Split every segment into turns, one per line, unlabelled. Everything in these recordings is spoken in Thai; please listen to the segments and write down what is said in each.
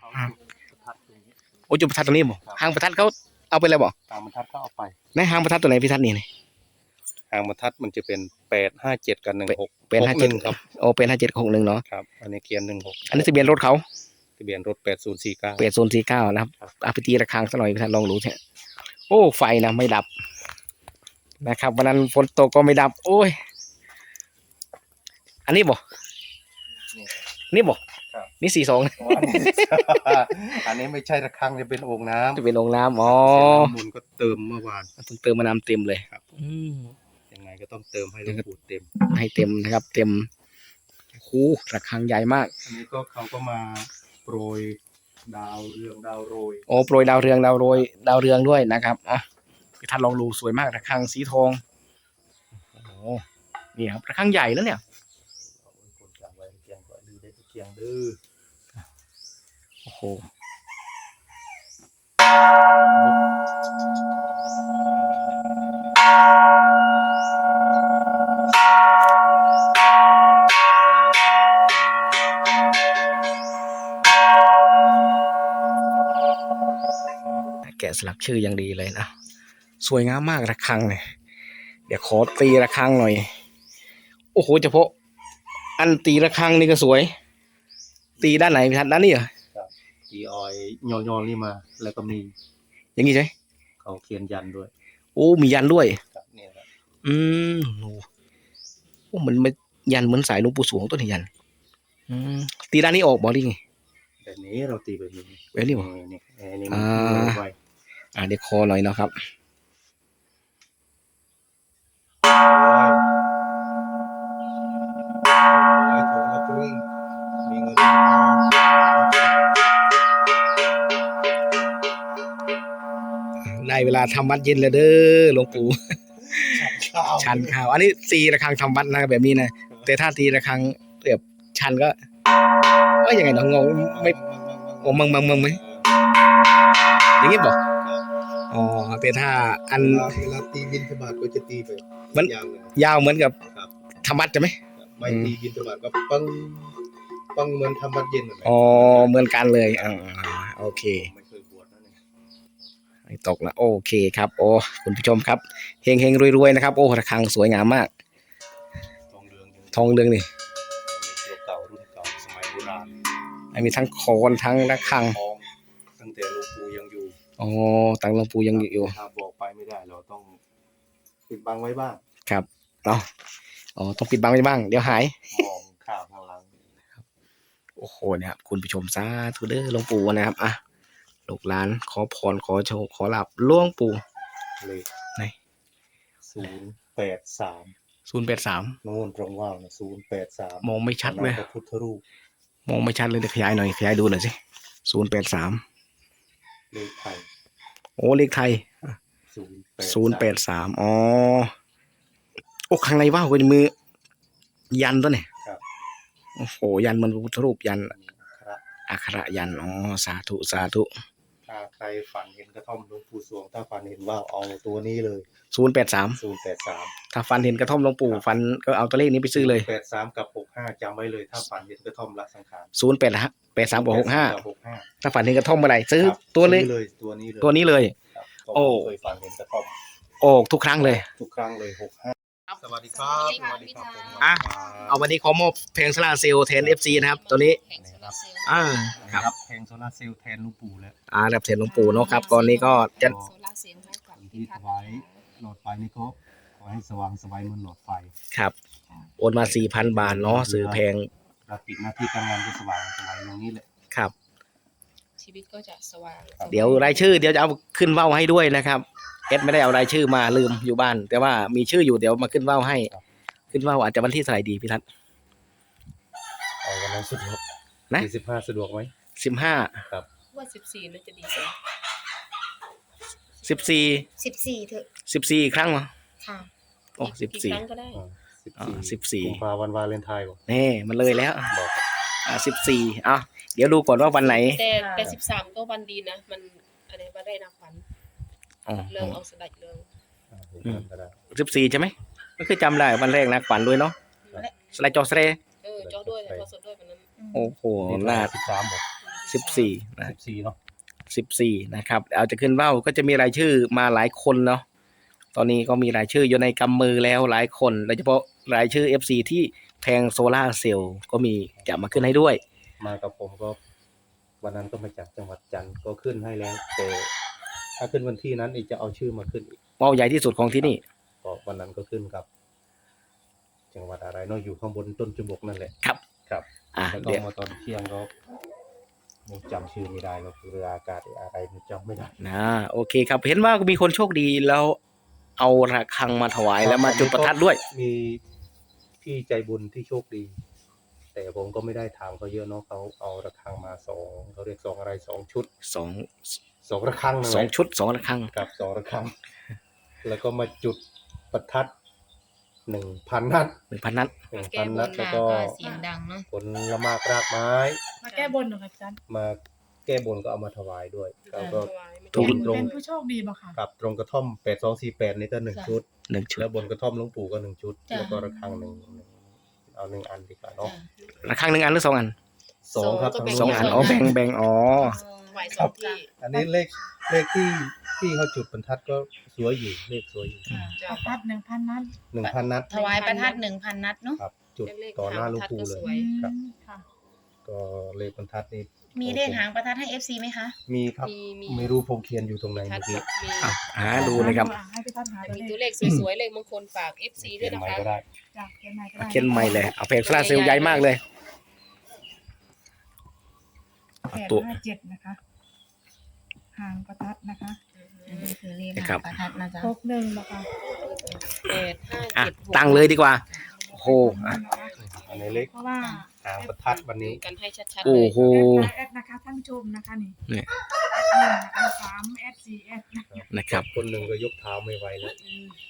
โอ้จุดประทัดตรงนี้บ่หางประทัดเขาเอาไปแล้วบ่
หางประทัดเขาเอาไป
ในหางประทัดตัวไหนพี่ทัดนี่
หางประทัดมันจะเป็น857กับ16
เป็น57
ครับ
โอ้เป็น5761เนาะ
ครับอันนี้เกียร์16
อันนี้ทะเบียนรถเขา
ทะเบียนรถ8049
นะครับเอาไปตีระฆังสักหน่อยพี่ทัดลองรู้เถอะโอ้ไฟนะไม่ดับนะครับวันนั้นฝนตกก็ไม่ดับโอ้ยอันนี้บ่นี่บ่นี่42
อันนี้ไม่ใช่ระฆังจะเป็นโอ่งน้ำ
จะเป็นโอ่งน้ำอ๋อ
มูลก็เติมเมื่อวาน
เพิ่งเติมมาน้ำเต็มเลย
ครับยังไงก็ต้องเติมให้หลวงปู่เต็ม
ให้เต็มนะครับเต็มคูระฆังใหญ่มาก
อันนี้ก็เขาก็มาโปรยดาวเรืองดาวโรย
โอ้โปรยดาวเรืองดาวโรยดาวเรืองด้วยนะครับอ๋อท่านลองดูสวยมากระฆังสีทองโอ้นี่ครับระฆังใหญ่แล้วเนี่ยโอ้โหแกะสลักชื่ออย่างดีเลยนะสวยงามมากระฆังเนี่ยเดี๋ยวขอตีระฆังหน่อยโอ้โหเฉพาะอันตีระฆังนี่ก็สวยตีด้านไหนพี่ทัดด้านนี้เหรอ
ตีออยยอนี่มาแล้วก็มี
อย่างนี้ใช่
เขาเขียนยันด้วย
โอ้มียันด้วย
นี่ครับ
โอ้มันไม่ยันเหมือนสายหลวงปู่สวงต้นยันตีด้านนี้ออกบอกดิไง
แบบนี้เราตีแบบนี้
แบบนี้บอก
นี่
เดี๋ยวคอหน่อยเนาะครับได้เวลาทำวัดเย็นแล้วเด้อหลวงปู่ชันข้าวอันนี้ตีระฆังทำวัดนะแบบนี้นะแต่ถ้าตีระฆังแบบชันก็ยังไงเนาะงงไม่โอ้มึงไหมอย่างนี้บอกอ๋อแต่ถ้าอัน
เวลาตีบินธบาตก็จะตีไป
มันยาวเหมือนกับทำวัดใช่ไหม
ไม่ตีบินธบาตก็ปังเหมือนทำวัดเย็น
อ๋อเหมือนกันเลยโอเคไม่ตกนะโอเคครับโอ้คุณผู้ชมครับเฮงรวยๆนะครับโอ้ระฆังสวยงามมากทองเรืองนี่
เก่ารุ่นเก่าสมัยโบราณ
มีทั้งโคนทั้งระฆัง
ตั้งแต่หลวงปู่ยังอยู่
อ๋อตั้งหลวงปู่ยังอยู่
ถ้าบอกไปไม่ได้เราต้องปิดบังไว้บ้าง
ครับเนาะอ๋อต้องปิดบังไว้บ้างเดี๋ยวหาย
มองข่าวข้างหลัง
โอ้โหเนี่ยครับคุณผู้ชมสาธุเด้อหลวงปู่นะครับลูกหลานขอพรขอโชคขอลาภหลวงปู่
เลย
ไหน
083โน่นตรงว่าวนะ083
มองไม่ชัดเลย
พระพุทธรูป
มองไม่ชัดเลยเดี๋ยวขยายหน่อยขยายดูหน่อยสิ083
เลขไทย
โอ้เลขไทย083อ๋อโอ้ข้างในว่าวเป็นมือยันตัวเนี่ยโอ้โหยันมันพระพุทธรูปยันอักขระยันอ๋อสาธุ
ถ้าใครฝันเห็นกระท่อมหลวงปู่สวงถ้าฝันเห็นว่าเอาตัวนี้เลย
083ถ้าฝันเห็นกระท่อมหลวงปู่ฝันก็เอาตัวเลขนี้ไปซื้อเลย
83กับ65จำไว้เลยถ้าฝันเห็นกระท่อมละสังขาร
083กับ65ถ้าฝันเห็นกระท่อมเมื่อไหร่ซื้อตัวเลยตัวนี้เลยโอ้
เคยฝันเห็นกระท่อม
โอ้ทุกครั้งเลย
65สวัสดีครับ
เอาวันนี้ขอมอบเพลงโซลาร์เซลล์แทน FC นะครับตัวนี้
ครับเพลงโซลาร์เซลล์แทนหลวงปู่แล้ว
แบบแทนหลวงปู่เนาะครับก่อนนี้ก็จะ
ที่ถวายหลอดไฟนี่ก็ขอให้สว่างสบายเหมือนหลอดไฟ
ครับโอนมา 4,000 บาทเนาะซื้อแพง
รับปิดหน้าที่การงานก็สว่างสบายตรงนี้แหละ
ครับ
ชีวิตก็จะสว่าง
เดี๋ยวรายชื่อเดี๋ยวจะเอาขึ้นว่าวให้ด้วยนะครับไม่ได้เอารายชื่อมาลืมอยู่บ้านแต่ว่ามีชื่ออยู่เดี๋ยวมาขึ้นว่าวให้ขึ้นว่าวอาจจะวันที่เท่าไหร่ดีพี่ทัศน์
วันนั้นสะดวก
นะ
15สะดวกไหม
15
ครับ
ว่า14น่าจะดีกว่า
14เถอะ14ครั้งเหรอ
ค่ะ
โอ้14
ครั้งก็ได้
14
กุมภาพันธ์วันวาเลนไทน์
นี่มันเลยแล้ว14เดี๋ยวดูก่อนว่าวันไหน
แต่13ก็วันดีนะมันอะไรว่าได้นับวันเรื่องเอาสดัดเรื่อง
14ใช่ไหมก็คือจำได้วันแรกนะขวัญด้วยเนาะสไลด์จอสเร
จอด้วยแต่พอสดด้วยวันนั้น
โอ้โหน่า
13บอก
14นะ
14เนาะ
14นะครับเอาจะขึ้นว่าวก็จะมีรายชื่อมาหลายคนเนาะตอนนี้ก็มีรายชื่ออยู่ในกำมือแล้วหลายคนโดยเฉพาะรายชื่อ FC ที่แทงโซล่าเซลล์ก็มีจะมาขึ้นให้ด้วย
มากับผมก็วันนั้นก็มาจากจังหวัดจันทร์ก็ขึ้นให้แล้วแต่ถ้าขึ้นวันที่นั้นอีกจะเอาชื่อมาขึ้นอีก
ว่าวใหญ่ที่สุดของที่นี่
ก็วันนั้นก็ขึ้นกับ จังหวัดอะไรเนาะอยู่ข้างบนต้นจุบกนั่นแหละ
ครับ
ครับ แล้วก็
เดี๋ยว
มาตอนเที่ยงก็ยังจำชื่อไม่ได้เราคือเรืออากาศอะไรมันจำไม่ได้
โอเคครับเห็นว่ามีคนโชคดีแล้วเอาระฆังมาถวายแล้วมาจุดประทัดด้วย
มีพี่ใจบุญที่โชคดี แต่ผมก็ไม่ได้ถามเขาเยอะเนาะเขาเอาระฆังมา2เขาเรียก2อะไร2ชุด
สอง
2ระฆังนั่นแห
ส
ละ
องชุดสองระฆัง
กับ2ระฆัง แล้วก็มาจุดประทัด 1,000 นัด
1,000 นัด
1,000 นัดแล้วก็
เสียงดังเนาะ
ผลละมากรากไม้
มาแก้บนเหรอคะอาจารย์
มาแก้บนก็เอามาถวายด้วยเขาก็
ถูก
ตรง
เป็นผู้โชคดีบ่ค่ะ
กับตรงกระท่อม8248นี่ก็1ชุด
1 ชุด
แล้วบนกระท่อมหลวงปู่ก็1ชุด
จ้ะ
แล้วก็ระฆังหนึ่งเอา1อันดีกว่าเนาะ
ระฆัง1 อันหรือ2 อัน
2ครับ
สองอันอ๋อแบ่งอ๋อ
ไหวสองที่
อันนี้เลขที่เขาจุดบรรทัดก็สวยอยู่เลขสวยอยู่
จ้ะ
ประทัด1,000 นัด
1,000 นัด
ถวายประทัด 1,000 นัดเนาะ
ครับ จุดต่อหน้าหลวงปู่เลย ครับ
ค่ะ
ก็เลขบรรทัดนี่
มีเลขหางประทัดให้ FC ไหมคะ
มีครับ
มี
ไม่รู้ผมเขียนอยู่ตรงไหน
ทั
เมื่
ด
อกี้
มี
อ่ะหาดูนะครับ
ให้พี่ทัดหา
แต่
ตัว
มี
เล
ตัว
ข
เลขสวยๆเลขมงคลฝาก FC
เขี
ด้วย
ยน
นะ
ใหม่
คะ
ก็ได้
จากเขียนใหม่ก็ได้
เขียนใหม่เลยเอาแผงโซล่าร์เซลล์ใหญ่มากเลย
857นะคะหางประทัดนะคะ
อันนี้คือเลข
นะครั
หา
บ
งประทัดนะจ๊ะ
61นะคะ
อ่ะ
8 5 7 6
ตั้งเลยดีกว่าโอ้โหอ่ะ
อันนี้เลข
เพราะว่า
หางประทัดวันนี้
กันให้ชัดๆเล
โอ้
ย
โห
แอดนะคะท่านผู้ชมนะคะนี่
เนี่ย
แอด1นะคะ3แอด4แอดนะคะ
นะครับ
คนหนึ่งก็ยกเท้าไม่ไหวแล้ว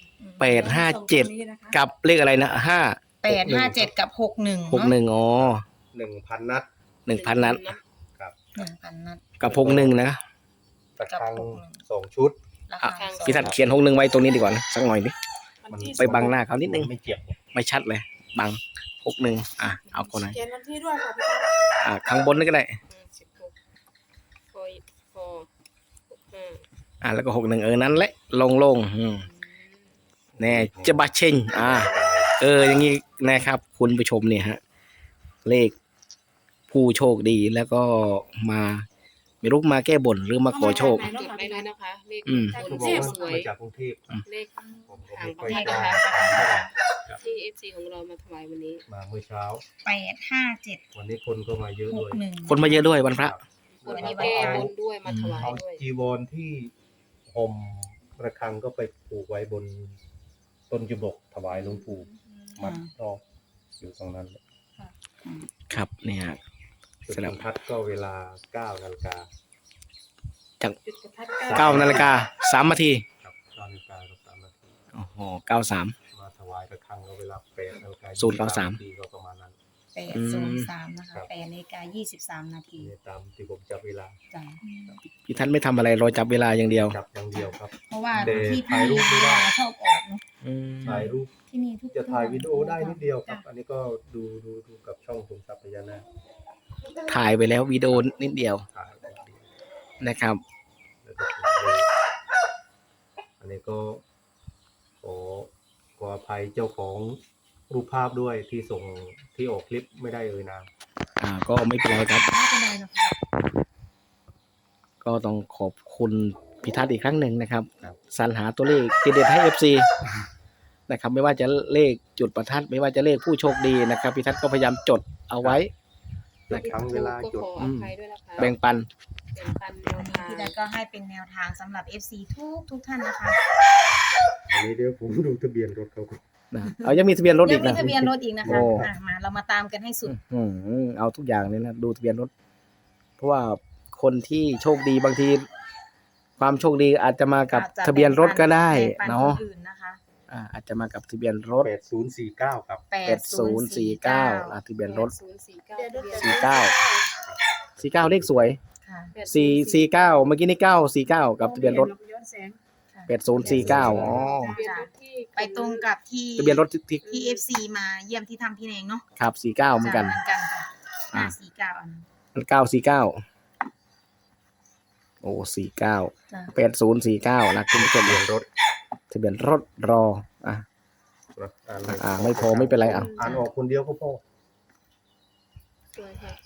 857กับเลขอะไรนะ
857 กับ 61เนาะ
61อ๋อ
1,000 นัด
1,000 นัด
1,000 นัด
กับ61นะ
ระฆัง2ชุด
รา
อ่ะ
คา
พี่ทัดเขียน61ไว้ตรงนี้ดีกว่านะสักหน่อยดิ
วันที่
ไปบังหน้าเขานิดนึง
ไม่เจ็บ
ไม่ชัดเลยบัง61เอาคนไหน
เขียนวันที่ด้วยค่ะพี่ทัด
ข้างบนนี่ก็ได้
16พอ65
แล้วก็61นั้นแหละโล่งๆแน่จะบาเชงอย่างนี้นะครับคุณผู้ชมเนี่ยฮะเลขผู้โชคดีแล้วก็มาไม่รู้มาแก้บนหรือมาขอโชค
จดได้เลยนะคะเลข
เขาบอกว่ามาจากกรุงเทพ
เลข
ผมก็
หาง
ไม่
ป
ค่อย
ระทัด
ได้
นะคะ
ครับ
ที่ FC ของเรามาถวายวันนี้
มาเมื่อเช้า
857
วันนี้คนก็มาเยอะด้วย
61
คนมาเยอะด้วยวันพระ
คนมาแก้บนด้วยมาถวาย
เอา
ด้วย
จีวรที่ห่มระฆังก็ไปผูกไว้บนต้นจุบกถวายหลวงปู่มัดรอบอยู่ตรงนั้น
ครับเนี่ย
จุดบรรทัดก็เวลา9 นาฬิกา
จาก
จุดประทัด
9 นาฬิกา3 นาที
ครับ9 นาฬิกากับ3 นาที
โอ้โห93
มาถวายระฆังก็เวลา8 นาฬิกา
093
นาทีก็ประมาณนั้น
803นะคะ
ครับ
8:23 นาที
นี่ตามที่ผมจับเวลา
จ้ะ
พี่ทันไม่ทำอะไรรอจับเวลาอย่างเดียว
จับอย่างเดียวครับ
เพราะว่า
แต่
ที่
ถ่ายรูปไม่ได้
ชอบออกเนาะ
ถ่ายรูป
ที่นี่ทุก
จะถ่ายวิดีโอได้นิดเดียวครับ อันนี้ก็ดูกับช่องตุงทรัพย์พญานาค
ถ่ายไปแล้ววิดีโอนิดเดียว
ถ่ายนิดเดียว
นะครับ
แล้วก็ถ่ายอันนี้ก็ขออภัยเจ้าของรูปภาพด้วยที่ส่งที่ออกคลิปไม่ได้นาม
ก็ไม่เป็นไรครับ
ไม่เป็นไรหรอกค่ะ
ก็ต้องขอบคุณพิทัศน์อีกครั้งหนึ่งนะครับสรรหาตัวเลขเด็ดๆให้ FC นะครับไม่ว่าจะเลขจุดประทัดไม่ว่าจะเลขผู้โชคดีนะครับพิทัศน์ก็พยายามจดเอาไว้
ทั้งเวลา
ก็
จุด
ขออภัยด้วยนะคะ
แบ่งปัน
แบ่งปันแนวทาง
พี่ได้ก็ให้เป็นแนวทางสำหรับ FC ทุกท่านนะคะ
อันนี้เดี๋ยวผมดูทะเบียนรถเขาก่อน
นะยังมีทะเบียนรถ
ยั
อี
ง
ก
มี
นะ
ทะเบียนรถอีกนะคะ
โอ้
มาเรามาตามกันให้สุด
เอาทุกอย่างเลยนะดูทะเบียนรถ เพราะว่าคนที่โชคดีบางที ความโชคดีอาจจะมากับ
อาจจะ
ทะเบียนรถก็ได้
แบ่งปั
เนาะ
คอื่นนะคะ
อาจจะมากับทะเบียนรถ
8049 ครับ
8049ทะเบียนรถ
8049
49เลขสวย
ค่ะ
449เมื่อกี้นี่949กับทะเบียนรถ
ย้อนแสง
8049อ๋อ
ทะเบียนรถที่
ไปตรงกับที่
ทะเบียนรถที่
ที่ FC มาเยี่ยมที่ทำพี่เองเนาะ
ครับ49เหมือนกัน
เหมือนกันค่ะ
อ่า
549อันนั้น
949 โอ้49
จ้ะ
8049นะคุณผู้ชม
ทะเบียนรถ
ทะเบียนรถรออ่ะ
นะอ่าน
ไม่พอไม่เป็นไรอ่ะ
อ่านออกคนเดียวก็พอ
สวยค่ะ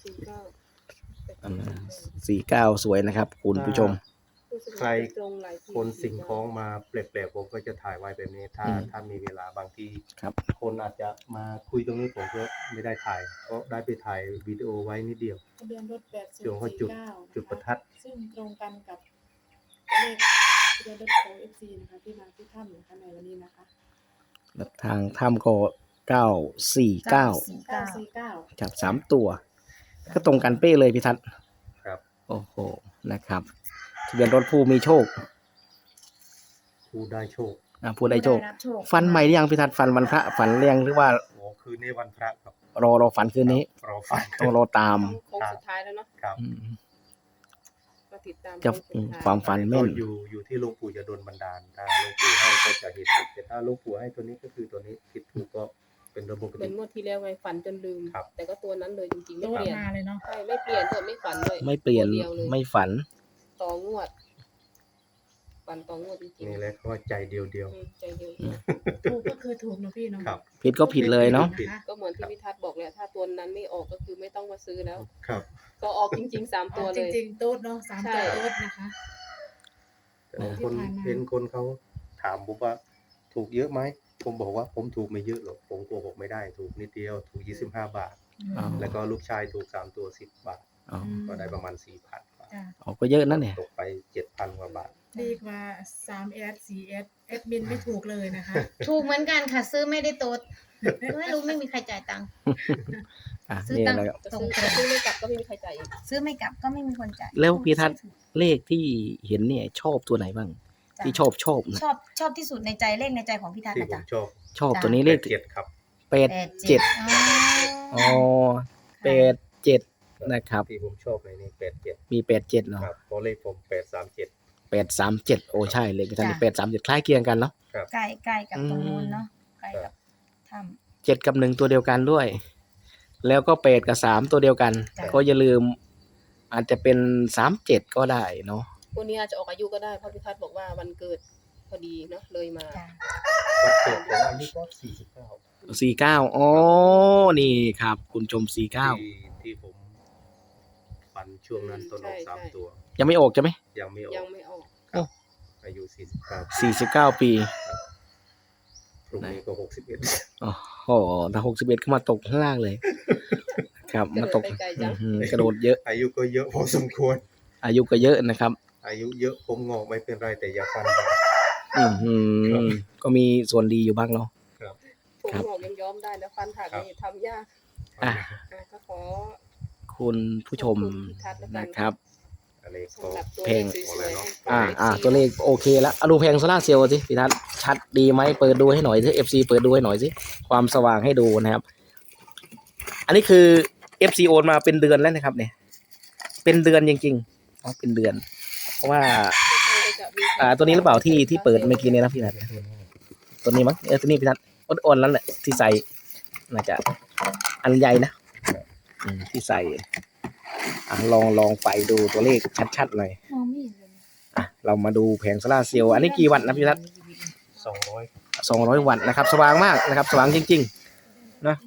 49สวยนะครับคุณผู้ชม
ใครคนสิ่งของมาแปลกๆผมก็จะถ่ายไว้แบบนี้ ถ้ามีเวลาบางที
ครับ
คนอาจจะมาคุยตรงนี้ผมก็ไม่ได้ถ่ายก็ได้ไปถ่ายวิดีโอไว้นิดเดียว
ทะเบียนรถ
เดี๋ยวเขาจุด
8049
จุดประทัด
ซึ่งตรงกันกับเลขทะเบียนรถของ FC นะคะที่มาที่ถ้ำนะคะในวันนี้นะคะ
ทางถ้ำก็949
949
ครับ3ตัว ก็ตรงกันเป๊ะเลยพี่ทัศน์
ครับ
โอ้โหนะครับทะเบียนรถผู้มีโชค
ผู้ได้โชค
ผู้ได้โชค
รับโชค
ฟันใหม่หรือยังพี่ทัศน์ฟันวันพระฝันเรียงหรือว่า
โอ้คืนนี้วันพระครับ
รอฝันคืนนี้
รอฟัง
ต้องรอตาม
โค้งสุดท้ายแล้วเนาะ
ครับ
อืม
มาติดตาม
จะ
โค้งสุดท้าย
ความฝัน
ก็
แม่น
อยู่ที่หลวงปู่จะโดนบันดาลถ้าหลวงปู่ให้ก็จะเห็นแต่ถ้าหลวงปู่ให้ตัวนี้ก็คือตัวนี้ผิดถูกก็เป็นระบบปก
เหมือ
ติ
นงวดที่แล้วไงฝันจนลืม
ครับ
แต่ก็ตัวนั้นเลยจริงๆ
โด
ไม่
ด
เปลี่ยน
มาเลยเนาะ
ใช่ไม่เปลี่ยนด้วยไม่ฝันด้วย
ไม่เปลี่ยน
ตัวดีวเลย
ไม่ฝัน
ต่องวดฝันต่องวดจริง
นี่แหละเขาว่าใจเดียว
ใจเดียว
ถูกก็คือถูกเนาะพี่เนาะ
ๆครับ
ผิดก็ผิดเลยเนาะ
ผิด
ก็เหมือนที่พิทัศน์บอกเลยถ้าตัวนั้นไม่ออกก็คือไม่ต้องมาซื้อแล้ว
ครับ
ก็ออกจริงๆ3ตัว
จ
เลย
ริงๆโต๊ดเนาะ3
ใช่
ตัวโต๊ดนะคะ
แต่คน
ที่ผ่านมา
เห็นคนเขาถามผมว่าถูกเยอะไหมผมบอกว่าผมถูกไม่เยอะหรอกผมโกหกไม่ได้ถูกนิดเดียวถูก25 บาท
อ๋อ
แล้วก็ลูกชายถูก3ตัว10 บาท
อ๋อ
ก็ได้ประมาณ 4,000 กว่า
จ้ะ
อ๋อก็เยอะนั่นเนี่ย
ตกไป 7,000 กว่าบาท
ดีกว่า3S 4S แอดมินไม่ถูกเลยนะคะ
ถูกเหมือนกันค่ะ ซื้อไม่ได้โต๊ดไม่รู้ไม่มีใครจ่ายตังค์
อ่ะ
ซื้อ
นี่
ตังค์
แล้ว
จะซื้อไม่กลับก็ไม่มีใครจ่ายอีก
ซื้อไม่กลับก็ไม่มีคนจ่าย
แล้วพี่ทัศน์เลขที่เห็นเนี่ยชอบตัวไหนบ้าง
จ้ะ
ที่ชอบนะ
ชอบที่สุดในใจเลขในใจของพี่ทัศน์
ที่
นะ
ผม
จ๊ะ
ชอบ
ชอบตัวนี้เลข
7ครับ
87
อ๋อ
อ๋อ87นะครับ
ที่ผมชอบในนี้87
มี87เนาะ
ครับเพราะเลขผม837
837โอ้ใช่เลขพี่ทัศน์837คล้ายเคียงกันเนาะ
ใกล้กับตรงนู้นเนาะใกล้กับถ้ำ
7กับ1ตัวเดียวกันด้วย แล้วก็8กับ3ตัวเดียวกัน
จ้ะ
ก็อย่าลืมอาจจะเป็น37ก็ได้เนาะ
วันนี้อาจจะออกอายุก็ได้เพราะพิทัศน์บอกว่าวันเกิดพอดีเนาะเลยมา
จ้ะ
วันเกิดผมอายุก็49
49อ๋อนี่ครับ คุณชม49
ที่ผมฝันช่วงนั้นต้นออก3ตัว
ยังไม่ออกใช่ไหม
ยังไม่ออ
ยั
ก
งไม่ออก
อายุ49
49 ปี
พรุ่งนี้ก็61
โอ้โหถ้า61ก็มาตกข้างล่างเลย ครับ
กระ
มา
โด
ต
ด
ก
ไปไกลจัง
กระโดดเยอะ
อายุก็เยอะพอสมควร
อายุก็เยอะนะครับ
อายุเยอะผมงอกไม่เป็นไรแต่อย่าฟันครับ
อือหือก็มีส่วนดีอยู่บ้างเนาะ
ผม
ครับ
หงอกยังย้อมได้นะฟันหักนี่ทำยาก
อ่ะ
ก็ขอ
คุณผู้ชม
ขอบคุณพิทัศน์แล้วกัน
นะครับ
อันนี้ก็
สำหรับตัว
เพลง
เลขสวยๆให้
ตัวเลขโอเคแล้วเอาดูแพงโซล่าร์เซลล์สิพี่ทัศน์ชัดดีไหมเปิดดูให้หน่อยสิ FC เปิดดูให้หน่อยสิความสว่างให้ดูนะครับ อันนี้คือ FC โอนมาเป็นเดือนแล้วนะครับ เนี่ย เป็นเดือนจริงๆอ๋อเป็นเดือน เพราะว่า ตัวนี้หรือเปล่าที่เปิดเมื่อกี้เนี่ยนะพี่ทัศน์ตัวนี้มั้งตัวนี้พี่ทัศน์อ่อนๆแล้วแหละที่ใส่น่าจะอันใหญ่นะที่ใส่ลองไปดูตัวเลขชัดๆหน่อย
มองไม่เห็นเลย
เรามาดูแผงโซล่าร์เซลล์อันนี้กี่วัตต์นะพี่ทัศน์
200
200 วัตต์นะครับ สว่างมากนะครับ สว่างจริงๆนะ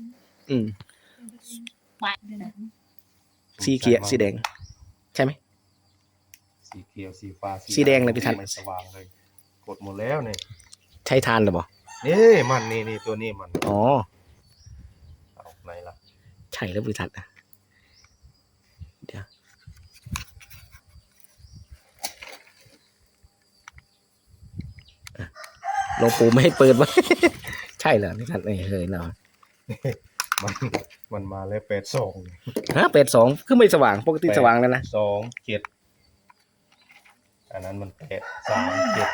สีเขียวสีแดง ใช่ไหม
สีเขียวสีฟ้า
สีแดงเลยพี่ทัศน์
มันสว่างเลยกดหมดแล้วเนี่ย
ใช้ทานหรือเปล่า
นี่มันนี่ตัวนี้มัน
อ๋อ
เอาไหนล่ะ
ใช่แล้วพี่ทัศน์นะเดี๋ยวหลวงปู่ไม่ให้เปิดวะ ใช่เหรอพี่ทัศน์เฮ้ยเนาะ
มันมาแล้ว82
ฮะ82คือไม่สว่างปกติสว่างแล้วนะ
27อันนั้นมัน837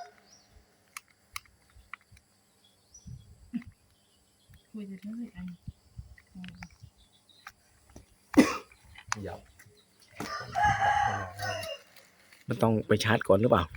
คุยจะเรื่อยอัน
ยับ
มันต้องไปชาร์จก่อนหรือเปล่า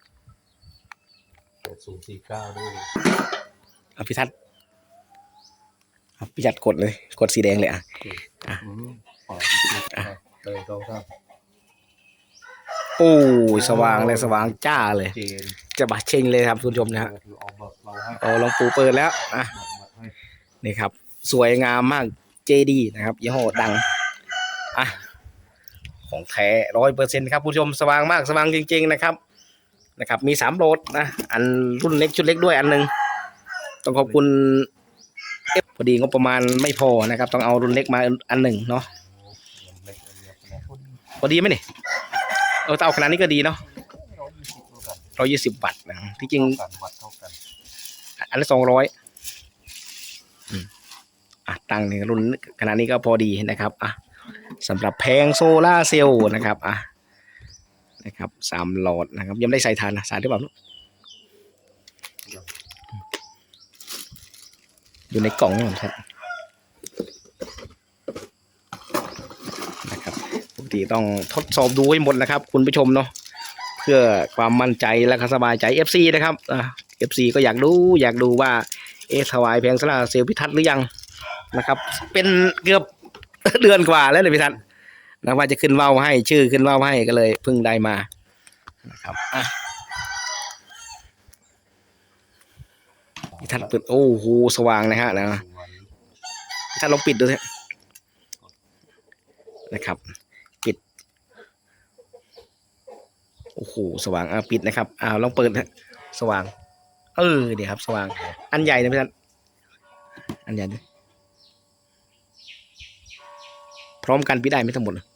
8049ด้วย
พี่ทัศน์พี่ทัศน์กดเลย กดสีแดงเลย
ปล่อยเลย2 3
โอ้ยสว่างเลยสว่างจ้าเลย
เจน
จะบะเชงเลยครับคุณผู้ชมนะฮะ
เอาเบิกเราให้
โอ้หลวงปู่เปิดแล้วอ่ะ
เบิกให้
นี่ครับ สวยงามมากเจดีนะครับยี่ห้อดังอ่ะของแท้100%ครับคุณผู้ชมสว่างมากสว่างจริงๆนะครับมี3โหลดนะอันรุ่นเล็กชุดเล็กด้วยอันหนึงต้องขอบคุณพอดีงบประมาณไม่พอนะครับต้องเอารุ่นเล็กมาอันหนึ่งเนาะ
เล็กเล็กนะ
พอดีไหมนี่ถ้าเอาขนาดนี้ก็ดีเนาะ
120
120 วัตต์นะที่จริง
กันวัดเท่ากัน
อันละ200ตั้งในรุ่นขนาดนี้ก็พอดีนะครับสำหรับแผงโซล่าเซลล์นะครับนะครับ3 หลอดนะครับยังไม่ได้ใส่ฐานนะสายหรือเปล่าอยู่ในกล่องนี่ครับปกติต้องทดสอบดูให้หมดนะครับคุณผู้ชมเนาะเพื่อความมั่นใจและก็สบายใจ FC นะครับFC ก็อยากดูว่าถวายแผงโซล่าเซลล์พิทัศน์หรือยังนะครับเป็นเกือบ เดือนกว่าแล้วเลยพิทัศน์นะว่าจะขึ้นว่าวให้ชื่อขึ้นว่าวให้ก็เลยเพิ่งได้มานะครับพิทัศน์เปิดโอ้โหสว่างนะฮะนะพิทัศน์ลองปิดดูสินะครับปิดโอ้โหสว่างปิดนะครับลองเปิดฮะสว่างเดี๋ยวครับสว่างอันใหญ่นะพิทัศน์อันใหญ่ด้วยพร้อมกันปิดได้ไม่ทั้งหมดเลย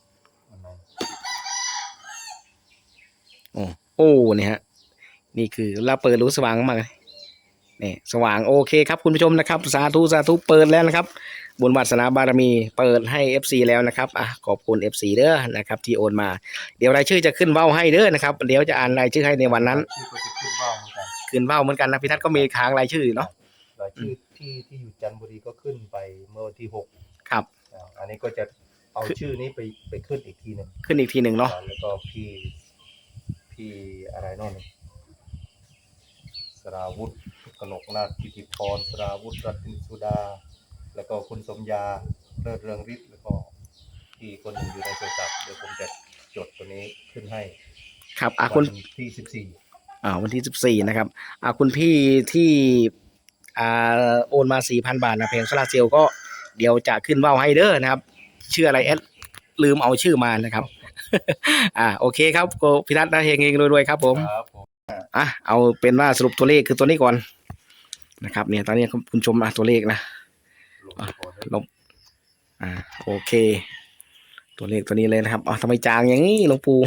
โอ้นี่ฮะนี่คือเราเปิดรู้สว่างมากเลยนี่สว่างโอเคครับคุณผู้ชมนะครับสาธุเปิดแล้วนะครับบุญวาสนาบารมีเปิดให้ FC แล้วนะครับขอบคุณ FC เด้อนะครับที่โอนมาเดี๋ยวรายชื่อจะขึ้นเว้าให้เด้อนะครับเดี๋ยวจะอ่านรายชื่อให้ในวันนั้น
ชื่อก็จะขึ้นว่าวเหมือนกัน
ขึ้นเว้าเหมือนกันนะพี่ทัศน์ก็มีค้างรายชื่อเนาะ
รายชื่อที่อยู่จันทบุรีก็ขึ้นไปเมื่อวันที่6
ครับ
อันนี้ก็จะเอาชื่อนี้ไปขึ้นอีกทีหนึ่ง
ขึ้นอีกทีหนึ่งเนาะ
แล้วก็พี่อะไรโน่นสราวุธกนกนาถกิติพรสราวุธรัตนสุดาแล้วก็คุณสมยาเลิศเรืองฤทธิ์แล้วก็ที่คนหนึ่งอยู่ในโทรศัพท์เดี๋ยวผมจะจดตัวนี้ขึ้นให้
ครับ
วั
คุณ
นที่
วันที่14นะครับคุณพี่ที่โอนมา 4,000 บาทนะเพลงโซลาร์เซลล์ก็เดี๋ยวจะขึ้นเว้าให้เด้อนะครับชื่ออะไรลืมเอาชื่อมานะครับ โอเคครับโกพิทัศน์นะเฮงๆรวยๆครับผม
ครับผม
เอาเป็นว่าสรุปตัวเลขคือตัวนี้ก่อนนะครับเนี่ยตอนนี้คุณชมตัวเลขนะลบโอเคตัวเลขตัวนี้เลยนะครับทำไมจางอย่างนี้หลวงปู่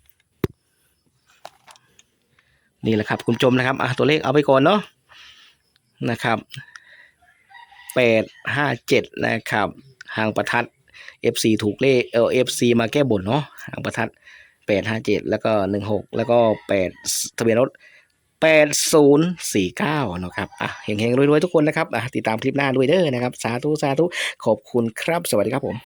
นี่แหละครับคุณชมนะครับตัวเลขเอาไปก่อนเนาะนะครับ857นะครับหางประทัด FC ถูกเลขFC มาแก้บนเนาะหางประทัด857แล้วก็16แล้วก็8ทะเบียนรถ8049นะครับเฮงๆรวยๆทุกคนนะครับติดตามคลิปหน้าด้วยเด้อนะครับสาธุขอบคุณครับสวัสดีครับผม